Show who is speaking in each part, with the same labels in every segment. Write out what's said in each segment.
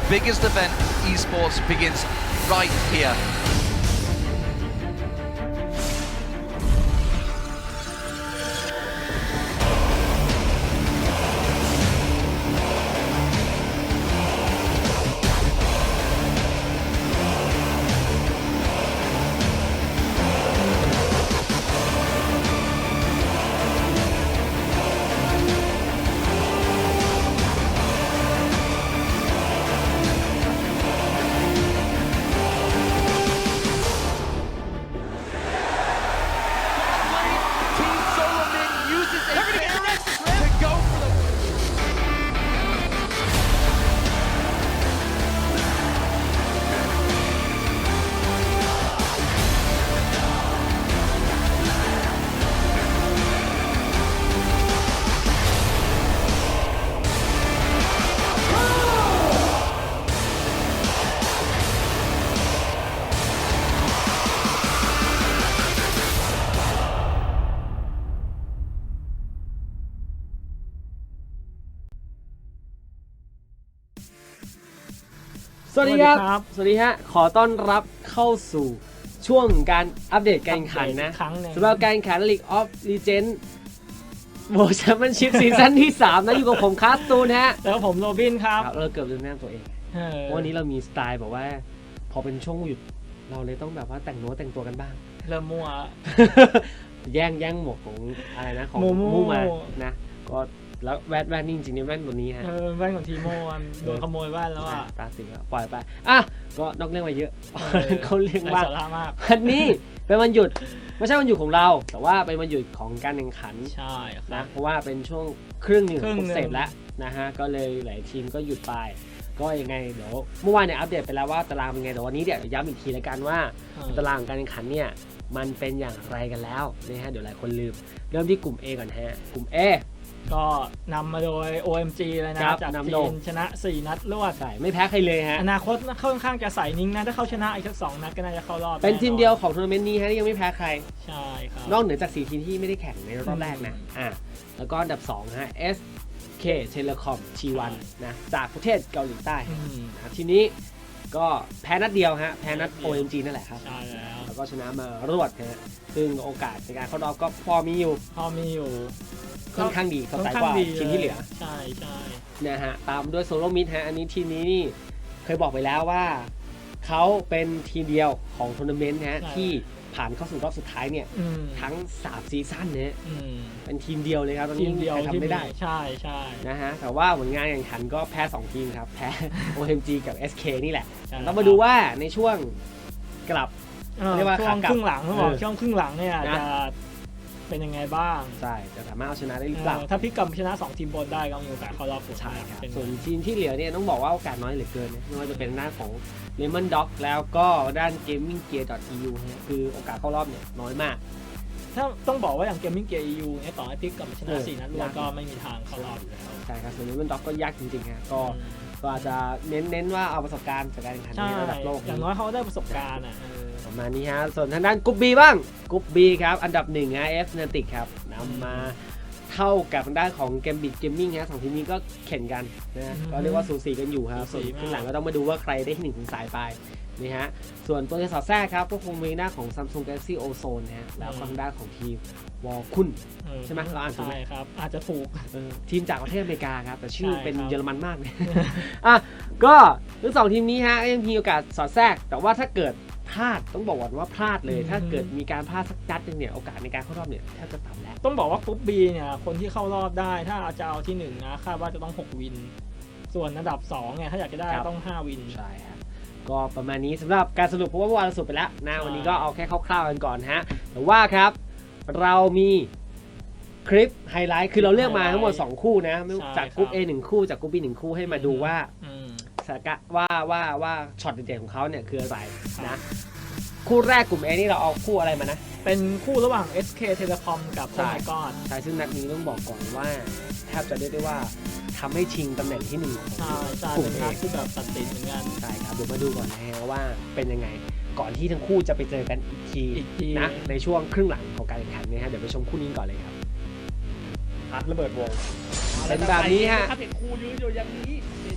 Speaker 1: biggest event esports begins right here.
Speaker 2: สวัสดีครับ สวัสดีฮะ ขอต้อนรับเข้าสู่ช่วงการอัปเดตการแข่งขันนะสำหรับการแข่งขัน League of Legends World Championship ซีซั่นที่ 3 นะอยู่กับผมคาสตูนฮะ
Speaker 3: แล้วผมโรบินครับ
Speaker 2: เราเกือบลืมแนะนำตัวเองวันนี้เรามีสไตล์แบบว่าพอเป็นช่วงหยุดเราเลยต้องแบบว่าแต่งตัวกันบ้าง
Speaker 3: เริ่มมั่ว
Speaker 2: แย่งหมวกของอะไรนะของมูมานะก็แล้วแว่นนี่จริงๆแว่นตัวนี้ฮะ
Speaker 3: แว่นของทีโมโดนขโมยแว่นแล้วอ่ะ
Speaker 2: ตาสีแล้วปล่อยไปอ่ะก็นอกเรื่องมาเยอะเขาเรียกว่าวันนี้เป็นวันหยุดไม่ใช่วันหยุดของเราแต่ว่าเป็นวันหยุดของการแข่งขัน
Speaker 3: ใช่
Speaker 2: นะเพราะว่าเป็นช่วงครึ่งหนึ่งของเสร็จแล้วนะฮะก็เลยหลายทีมก็หยุดไปก็ยังไงเดี๋ยวเมื่อวานเนี่ยอัปเดตไปแล้วว่าตารางเป็นไงแต่วันนี้เดี๋ยวย้ำอีกทีแล้วกันว่าตารางการแข่งขันเนี่ยมันเป็นอย่างไรกันแล้วนะฮะเดี๋ยวหลายคนลืมเริ่มที่กลุ่ม A ก่อนฮะกลุ่ม A
Speaker 3: ก็นำมาโดย OMG เลยนะจากทีมชนะ4นัดรวด
Speaker 2: ใช่ไม่แพ้ใครเลยฮะ
Speaker 3: อนาคตค่อนข้างจะใส่นิ่งนะถ้าเขาชนะอีกสัก2นัดก็น่าจะเข้า รอบ
Speaker 2: เป็นทีมเดียวของทัวร์นาเมนต์นี้ฮะที่ยังไม่แพ้ใคร
Speaker 3: ใช่ครับ
Speaker 2: นอกเหนือจาก4ทีมที่ไม่ได้แข่งในรอบแรกนะแล้วก็อันดับ2ฮะ SK Telecom T1 นะจากประเทศเกาหลีใต้นะทีนี้ก็แพ้นัดเดียวฮะแพ้นัด OMG นั่นแหละครับ
Speaker 3: ใช่
Speaker 2: แล้วก็ชนะมารวดฮะซึ่งโอกาสในการเข้ารอบก็พอมีอยู่ค่อนข้างดีเขาใส่กว่าทีมที่เหลือ
Speaker 3: ใช่
Speaker 2: นะฮะตามด้วยโซโลมิดฮะอันนี้ทีมนี้นี่เคยบอกไปแล้วว่าเขาเป็นทีมเดียวของทัวร์นาเมนต์ฮะที่ผ่านเข้าสู่รอบสุดท้ายเนี่ยทั้ง3ซีซั่นเนี่ยเป็นทีมเดียวเลยครับตอนนี้ใครทำไม่ได้
Speaker 3: ใช่
Speaker 2: นะฮะแต่ว่าผลงานแข่งขันก็แพ้2ทีมครับแพ้ OMG กับ SK นี่แหละต้องมาดูว่าในช่วงกลับ
Speaker 3: เรียกว่าช่วงครึ่งหลังเขาบอกช่วงครึ่งหลังเนี่ยจะเป็นยังไงบ้าง
Speaker 2: ใช่จะสามารถเอาชนะได้หรือเปล่า
Speaker 3: ถ้าพลิกกลับชนะ2ทีมบนได้ก็มีโอกาสเข้ารอบสุดท้าย
Speaker 2: ครับส่วนทีมที่เหลือเนี่ยต้องบอกว่าโอกาสน้อยเหลือเกินนะไม่ว่าจะเป็นหน้าของ Lemon Dog แล้วก็ด้าน Gaming Gear.eu ฮะคือโอกาสเข้ารอบเนี่ยน้อยมาก
Speaker 3: ถ้าต้องบอกว่าอย่าง Gaming Gear EU เนี่ยต่อให้พลิกกลับชนะ4นัดรวดก็ไม่มีทางเข้ารอบอยู่แล้ว
Speaker 2: ใช่ครับส่วน Lemon Dog ก็ยากจริงๆฮะก็อาจจะเน้นว่าเอาประสบการณ์จากการแข่งขันในระดับโลก
Speaker 3: อย่างน้อยเขาได้ประสบการณ์
Speaker 2: ประมาณนี้ฮะส่วนทางด้านกรุ๊ป B บ้างกรุ๊ป B ครับอันดับ1ฮะ Fnatic ครับนำมาเท่ากับทางด้านของ Gambit Gaming ฮะ2ทีมนี้ก็แข่งกันนะก็เรียกว่าสูสีกันอยู่ครับส่วนข้างหลังก็ต้องมาดูว่าใครได้ที่1ถึงสายไปนี่ฮะส่วนตัวที่สอดแทรกครับก็คงมีหน้าของ Samsung Galaxy Ozone ฮะแล้วทางด้านของทีมวอลคุนใช่ไหมเราอ่านถูกไหม
Speaker 3: ครับอาจจะถูก
Speaker 2: ทีมจากประเทศอเมริกาครับแต่ชื่อเป็นเยอรมันมากเลยก็ทั้ง2ทีมนี้ฮะยังมีโอกาสสอดแทรกแต่ว่าถ้าเกิดพลาดต้องบอกว่าพลาดเลยถ้าเกิดมีการพลาดสักนัดนึงเนี่ยโอกาสในการเข้ารอบเนี่ยแทบจะต่ำแล้ว
Speaker 3: ต้องบอกว่ากรุ๊ป B เนี่ยคนที่เข้ารอบได้ถ้าจะเอาที่1นะคาดว่าจะต้อง6วินส่วนอันดับ2เนี่ยถ้าอยากจะได้ต้อง5วิน
Speaker 2: ใช่ครับก็ประมาณนี้สำหรับการสรุปเพราะว่าเมื่อวานเราสรุปไปแล้วนะวันนี้ก็เอาแค่คร่าวๆกันก่อนฮะแต่ว่าครับเรามีคลิปไฮไลท์คือเราเลือกมาทั้งหมด2คู่นะจากกรุ๊ป A 1คู่จากกรุ๊ป B 1คู่ให้มาดูว่าสถานการณ์ว่าช็อตเด่นๆของเขาเนี่ยคืออะไรนะคู่แรกกลุ่ม A นี่เราเอาคู่อะไรมานะ
Speaker 3: เป็นคู่ระหว่าง SK Telecom กับ
Speaker 2: โอไมก้อนใช่ซึ่งนัดนี้ต้องบอกก่อนว่าแทบจะเรียกได้ว่าทำให้ชิงตำแหน่งที่1ของ
Speaker 3: กลุ่ม A ที่แบบตัดสินเหมือนกัน
Speaker 2: ใช่ครับเดี๋ยวมาดูก่อนนะฮะว่าเป็นยังไงก่อนที่ทั้งคู่จะไปเจอกันอีกทีนะในช่วงครึ่งหลังของการแข่งขันนะฮะเดี๋ยวไปชมคู่นี้ก่อนเลยครับ
Speaker 3: พัดระเบิดวง
Speaker 2: เป็นแบบนี้ฮะ
Speaker 3: เห็นคู่ยืนอยู่อย่างนี้เห็นยืนอยู่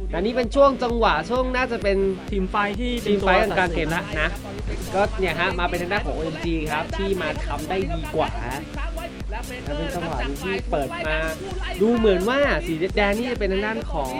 Speaker 2: อันนี้เป็นช่วงจังหวะช่วงน่าจะเป็น
Speaker 3: ทีมไฟที่
Speaker 2: ทีมไฟท์กลางเกมแล้วนะก็เนี่ยฮะมาเป็นทางด้านของ OMG ครับที่มาทำได้ดีกว่าแล้วเป็นจังหวะที่เปิดมาดูเหมือนว่าสีแดงนี่จะเป็นทางด้านของ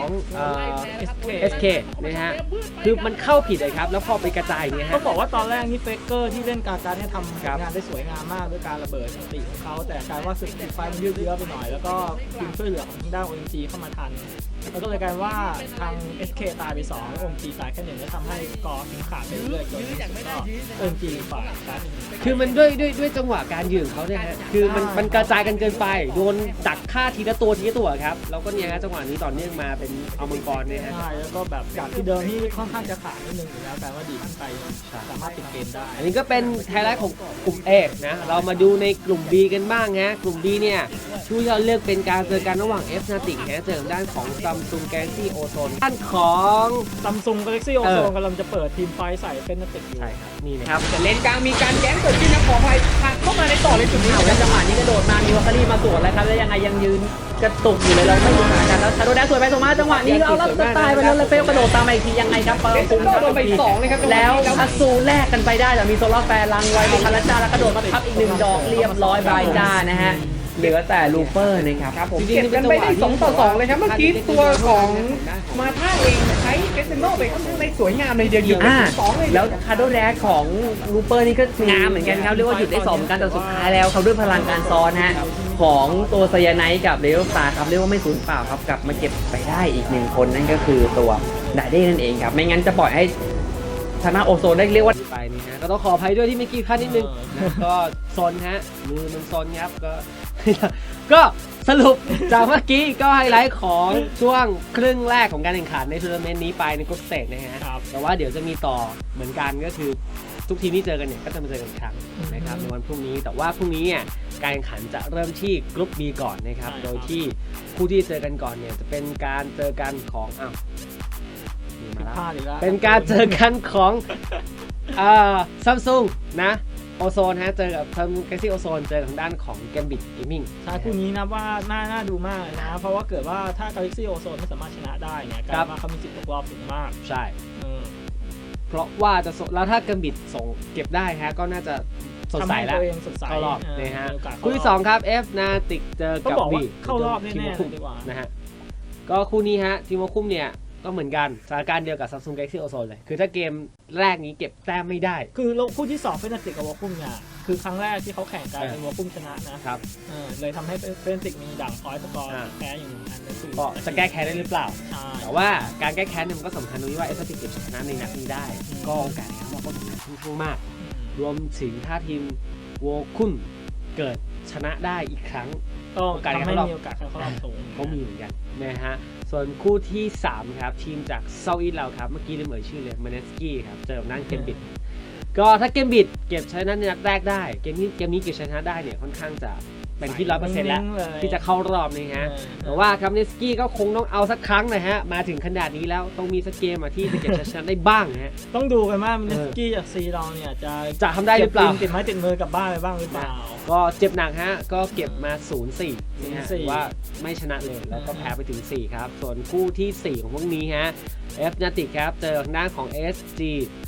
Speaker 2: SK นะฮะคือมันเข้าผิดเลยครับแล้วพอไปกระจายเนี่ยฮะ
Speaker 3: ต้องบอกว่าตอนแรกนี่เฟกเกอร์ที่เล่นการเนี่ยทำงานได้สวยงามมากด้วยการระเบิดสติของเขาแต่กลายว่าสึกทีมไฟมันยืดเยื้อไปหน่อยแล้วก็ทีมช่วยเหลือของทางด้าน OMG เข้ามาทันแล้วก็เลยกลายว่าทาง SK ตายไป2 OMG ตายแค่1แล้วทำให้สกอร์ถึงขาดไปเรื่อยๆจนที่สุดก็ OMG ฝ่ายครับ
Speaker 2: คือมันด้วยจังหวะการยืนของเขาเนี่ยฮะคือมันกระจายกันเกินไปโดนดักฆ่าทีละตัวครับแล้วก็เนี่ยฮะจังหวะนี้ต่อเนื่องมาเป็นเอามังกรเนี่ยฮะ
Speaker 3: ใช่แล้วก็แบบจากที่เดิมที่ค่อนข้างจะขาดนิดนึงอยู่แล้วแต่ว่าดีขึ้นไปสามารถปิดเกมได้
Speaker 2: อันนี้ก็เป็นไฮไลท์ของกลุ่ม A นะเรามาดูในกลุ่ม B กันบ้างฮะกลุ่ม B เนี่ยชูยอดเลือกเป็นการเจอกันระหว่าง F Fnatic ฮะเจอด้านของ Samsung Galaxy Ozone ด้านของ
Speaker 3: Samsung Galaxy Ozone กำลังจะเปิดทีมไฟใส่เป็นนักเตะอยู่
Speaker 2: ใช่ครับนี่นะครับ
Speaker 4: แต่เลนกลางมีการแย้งเกิดขึ้นนะขออภัยผ่านเข้ามาในต่อเลยจุดนี้
Speaker 5: แล้วจังหวะนี้กระโดดมามีวอคคารีมาสวนแล้วครับแล้วยังไงยังยืนกระตุกอยู่เลยเราไม่รู้เหมือนกันแล้วชาโดแดนสวยไปสวยมาจังหวะนี้เอาแล้วจะตายไปแล้วเฟลกระโดดตามมาอีกทียังไงครับ
Speaker 4: เดซิโนโดนไป2เลยครับ
Speaker 5: แล้วอัสซูแลกกันไปได้แต่มีโซล่าแฟร์ลังไว้มีคาราจาแล้วกระโดดมาทับอีก1 ดอกเรียบร้อยบายจ้านะฮะเหลือแต่ลูเปอร์นะครับ
Speaker 4: ครับผมเก็บกันไปได้2-2เลยครับเมื่อกี้ตัวของมาท่าเองใช้เดซิโนไปค่อนข้างได้สวยงามเลยเดียวหยุดไป2เลย
Speaker 5: แล้วคาร์โดแดกของลูเปอร์นี่ก็งามเหมือนกันครับเรียกว่าหยุดได้2เหมือนกันแต่สุดท้ายแล้วเขาด้วยพลังการซ้อนฮะของตัวไซยาไนท์กับเรโอสตาร์ครับเรียกว่าไม่สูญเปล่าครับกลับมาเก็บไปได้อีก1 คนนั่นก็คือตัวไดเด้นั่นเองครับไม่งั้นจะปล่อยให้ชนะโอโซนได้เรียกว่า
Speaker 2: ไปนี่ฮะก็ต้องขออภัยด้วยที่เมื่อกี้พลาดนิดนึงนะก็ซนฮะมือมันซนครับก็ ก็สรุปจากเมื่อกี้ก็ไฮไลท์ของช่วงครึ่งแรกของการแข่งขันในทัวร์นาเมนต์นี้ไปในกรุ๊ปสเตจนะฮะ
Speaker 3: ครับ
Speaker 2: แต่ว่าเดี๋ยวจะมีต่อเหมือนกันก็คือทุกทีมที่เจอกันเนี่ยก็จะมาเจอกันอีกครั้งนะครับในวันพรุ่งนี้แต่ว่าพรุ่งนี้เนี่ยการแข่งขันจะเริ่มที่กรุ๊ป B ก่อนนะครับโดยที่คู่ที่เจอกันก่อนเนี่ยจะเป็นการเจอกันของนี่มาแล้ว
Speaker 3: พลาดอีกแล้ว
Speaker 2: เป็นการเจอกันของซัมซุงนะโอโซนฮะเจอกับSamsung Galaxy Ozone เจอทางด้านของ Gambit Gaming
Speaker 3: ใช่คู่นี้นะว่าน่าดูมากเลยนะเพราะว่าเกิดว่าถ้า Galaxy Ozone ไม่สามารถชนะได้เนี่ยกลายว่าเขามีสิทธิ์ตกรอบสูงมาก
Speaker 2: ใช่
Speaker 3: เออ
Speaker 2: เพราะว่าจะแล้วถ้า Gambit ส่งเก็บได้ฮะก็น่าจะสดใสแล้ว
Speaker 3: ทำให้ตัวเองสดใส
Speaker 2: เข้ารอบนะฮะ
Speaker 3: มีโอกาสเข้ารอบ
Speaker 2: คู่ที่2ครับ F Fnatic เจอ
Speaker 3: ต้อง
Speaker 2: กับ
Speaker 3: บอก
Speaker 2: V
Speaker 3: ว่าเข้ารอบแน่ๆ
Speaker 2: ทีม
Speaker 3: เลย
Speaker 2: คุม
Speaker 3: ดีกว่า
Speaker 2: นะฮะก็คู่นี้ฮะทีมคุมเนี่ยก็เหมือนกันสถานการณ์เดียวกับ Samsung Galaxy Ozone เลยคือถ้าเกมแรกนี้เก็บแต้มไม่ได้
Speaker 3: คือคู่ที่2เฟนติกกับวอลคุ้มเนี่ยคือครั้งแรกที่เขาแข่งกันเป็นวอลคุ้มชนะนะครับ เลยทำให้เฟนติกมีด่างพอยต์สกอร์แพ้อย่างนั้นนั่นคือ
Speaker 2: ก็จะแก้แค้นได้หรือเปล่า
Speaker 3: ใช่
Speaker 2: แต่ว่าการแก้แค้นเนี่ยมันก็สำคัญตรงที่ว่าเอสติกเก็บชนะในนัดนี้ได้ ก็โอกาสในการรอบก็สำคัญค่อนข้างมาก รวมถึงถ้าทีมโวคุนเกิดชนะได้อีกครั้ง
Speaker 3: ก็
Speaker 2: โอกาสใน
Speaker 3: ทำ
Speaker 2: การ
Speaker 3: ให้
Speaker 2: เข้ารอบ
Speaker 3: มีโอกาสเข้ารอบสูง
Speaker 2: ก็มีเหมือนกันนะฮะส่วนคู่ที่ 3 ครับ ทีมจากเซาท์อีสเราครับ เมื่อกี้ลืมเอ่ยชื่อเลยมาเนสกี้ครับ เจอกับนั่นเกมบิดก็ถ้าเกมบิดเก็บชนะในนัดแรกได้ เกมนี้เก็บชนะได้เนี่ยค่อนข้างจะเป็นที่ 100% แล้วที่จะเข้ารอบนะฮะ แต่ว่าครับเนสกี้ก็คงต้องเอาสักครั้งนะฮะ มาถึงขนาดนี้แล้วต้องมีสักเกมที่จะเก็บชนะได้บ้างนะฮะ
Speaker 3: ต้องดูกันว่ามินสกี้จากซีเราเนี่ยจะ
Speaker 2: ทำได้หรือเปล่า
Speaker 3: ก็บติดไม้ติดมือกลับบ้านไปบ้างหรือเปล่า
Speaker 2: ก็เจ็บหนักฮะ ก็เก็บมา 0-4นะฮะ
Speaker 3: 0-4
Speaker 2: ถือว่าไม่ชนะเลย แล้วก็แพ้ไปถึง 4 ครับ ส่วนคู่ที่ 4 ของพวกนี้ฮะ F Fnatic ครับ เจอทางด้านของ SG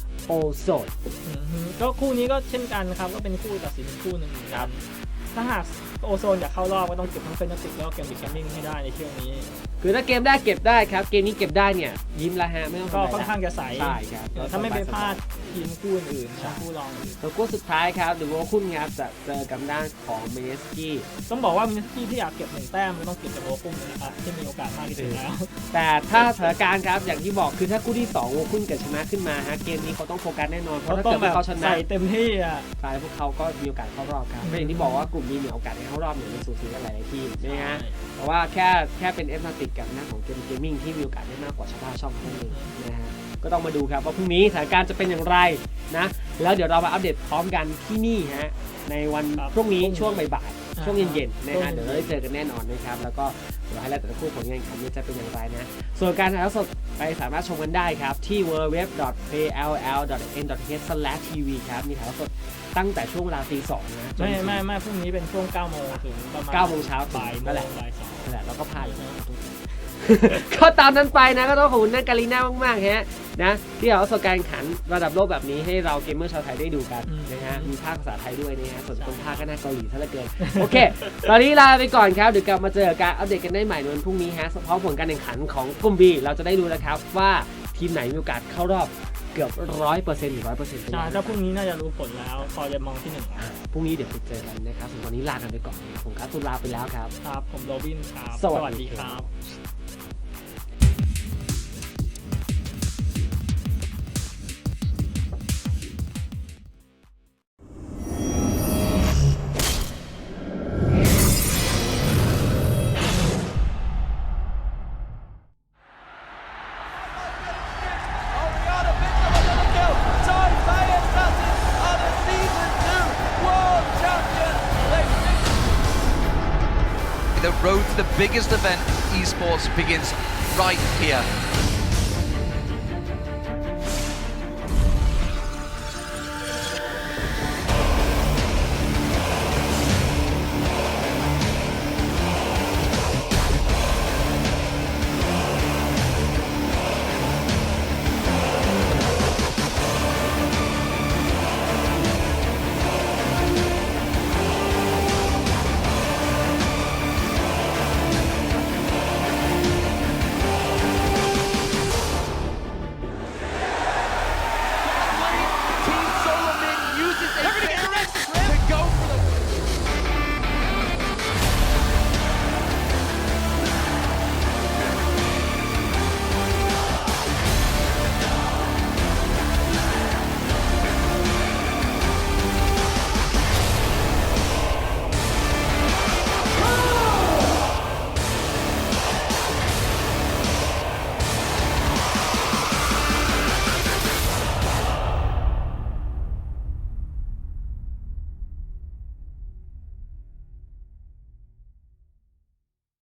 Speaker 2: Ozone
Speaker 3: ก็คู่นี้ก็เช่นกันครับก็เป็นคู่ตัดสินคู่หนึ่งครับถ้าหากโอโซนอยากเข้ารอบก็ต้องเก็บทั้งเฟนติกแล้วก็เกมบิกแคมมิ่งให้ได้ในช่วงนี้
Speaker 2: คือถ้าเกมได้เก็บได้ครับ เกมนี้เก็บได้เนี่ย ยิ้มแล้วฮะ ไม่ต้อง
Speaker 3: ก็
Speaker 2: ทำอะไร
Speaker 3: ค่อนข้างจะใส
Speaker 2: ใช่ครับ
Speaker 3: ถ้าไม่ไปพลาดทีมคู่อื่นๆคู่รองอื่น
Speaker 2: ตัวคู่สุดท้ายครับหรือว่าคุณครับจะเจอกับด้านของเมเนสกี้
Speaker 3: ต้องบอกว่ามินสกี้ที่อยากเก็บ1 แต้มก็ต้องเก็บจากโอคุ้มนะครับที่มีโอกาสมากที่สุดแล้ว
Speaker 2: แต่ถ้าสถานการณ์ครับอย่างที่บอกคือถ้าคู่ที่2โวคุนเกิดชนะขึ้นมาฮะเกมนี้เขาต้องโฟกัสแน่นอนเพราะถ้า
Speaker 3: ต้อ
Speaker 2: เกิ
Speaker 3: ง
Speaker 2: ด
Speaker 3: แบ
Speaker 2: ว่า
Speaker 3: บ
Speaker 2: เขาชนะ
Speaker 3: ใส่เต็มที่อ่ะ
Speaker 2: ฝ่ายพวกเขาก็มีโอกาสเข้ารอบครับก็อย่างที่บอกว่ากลุ่มนี้มีโอกาสในเข้ารอบเนี่ยมันสูสีกันหลายๆทีมนะฮะแต่ว่าแค่เป็นเอฟมาติกกับหน้าของเกมเกมมิ่งที่มีโอกาสได้มากกว่าชาวบ้านช่องเท่านั้นเองนะฮะก็ต้องมาดูครับว่าพรุ่งนี้สถานการณ์จะเป็นอย่างไรนะแล้วเดี๋ยวเรามาอัปเดตพร้อมกันที่นี่ฮะในวันพรุ่งนี้ช่วงบ่ายๆช่วงเย็นๆนะฮะเดี๋ยวเราได้เจอกันแน่นอนนะครับแล้วก็เดี๋ยวให้แล้วแต่ละคู่ผลงานแข่งขันจะเป็นอย่างไรนะส่วนการถ่ายทอดสดไปสามารถชมกันได้ครับที่ www.pll.n.th/tv ครับมีถ่ายทอดสดตั้งแต่ช่วงเวลาตี 2นะจนถึง
Speaker 3: ไม่พรุ่งนี้เป็นช่วง9 โมงถึงประมาณ
Speaker 2: 9 โมงเช้า
Speaker 3: บ่าย
Speaker 2: นั่นแหละ
Speaker 3: บ่าย 2
Speaker 2: นั่นแหละเราก็พลาดก็ตามนั้นไปนะก็ต้องขอบคุณนักการีน่ามากๆฮะนะที่เอาประสบการณ์แข่งขันระดับโลกแบบนี้ให้เราเกมเมอร์ชาวไทยได้ดูกันนะฮะมีภาคภาษาไทยด้วยนะฮะส่วนตรงภาคก็น่าเกาหลีซะเหลือเกินโอเคตอนนี้ลาไปก่อนครับเดี๋ยวกลับมาเจอการอัปเดตกันได้ใหม่ในวันพรุ่งนี้ฮะพร้อมผลการแข่งขันของกลุ่ม B เราจะได้รู้แล้วครับว่าทีมไหนมีโอกาสเข้ารอบเกือบ 100% หรือ 100%
Speaker 3: ใช่ถ้าพรุ่งนี้น่าจะรู้ผลแล้วพอจะมองที่หนึ่งแล้ว
Speaker 2: พรุ่งนี้เดี๋ยวไปเจอกันนะครับส่วนตอนนี้ลากันไปก่อนผมครับตุลาไปแล้วครับ
Speaker 3: ครับผมโรบินครับ
Speaker 2: สวัสดี
Speaker 3: ครับ
Speaker 1: The road to the biggest event esports begins right here.